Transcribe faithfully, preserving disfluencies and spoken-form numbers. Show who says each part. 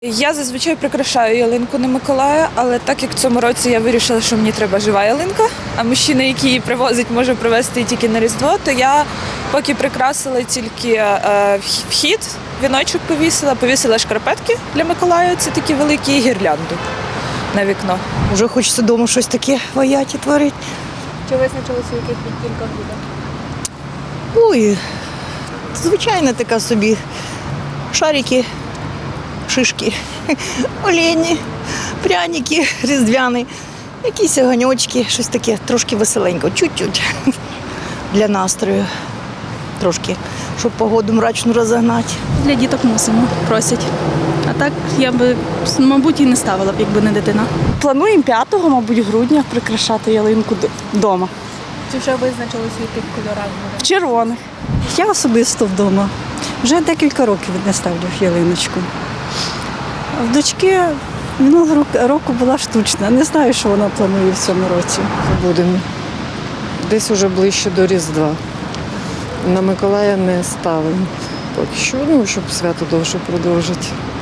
Speaker 1: Я зазвичай прикрашаю ялинку на Миколая, але так як в цьому році я вирішила, що мені треба жива ялинка, а мужчина, який її привозить, може привезти тільки на Різдво, то я поки прикрасила тільки е, вхід, віночок повісила, повісила шкарпетки для Миколая, це такі великі, і гірлянду на вікно.
Speaker 2: Вже хочеться вдома щось таке ваяті творити.
Speaker 3: Чи визначилися, в яких відтінках буде?
Speaker 2: Ой, звичайна така собі. Шарики, шишки, олені, пряники різдвяні, якісь огоньочки, щось таке трошки веселенько, чуть-чуть для настрою. Трошки, щоб погоду мрачну розогнати.
Speaker 4: Для діток мусимо, просять. А так я би, мабуть, і не ставила б, якби не дитина.
Speaker 5: Плануємо п'ятого, мабуть, грудня прикрашати ялинку вдома.
Speaker 3: Чи вже визначилися, в яких кольорах буде?
Speaker 5: Червоних.
Speaker 6: Я особисто вдома. Вже декілька років не ставлю ялиночку. В дочки минулого року була штучна. Не знаю, що вона планує в цьому році.
Speaker 7: Будемо. Десь уже ближче до Різдва. На Миколая не ставимо. Поки що, ну, щоб свято довше продовжити.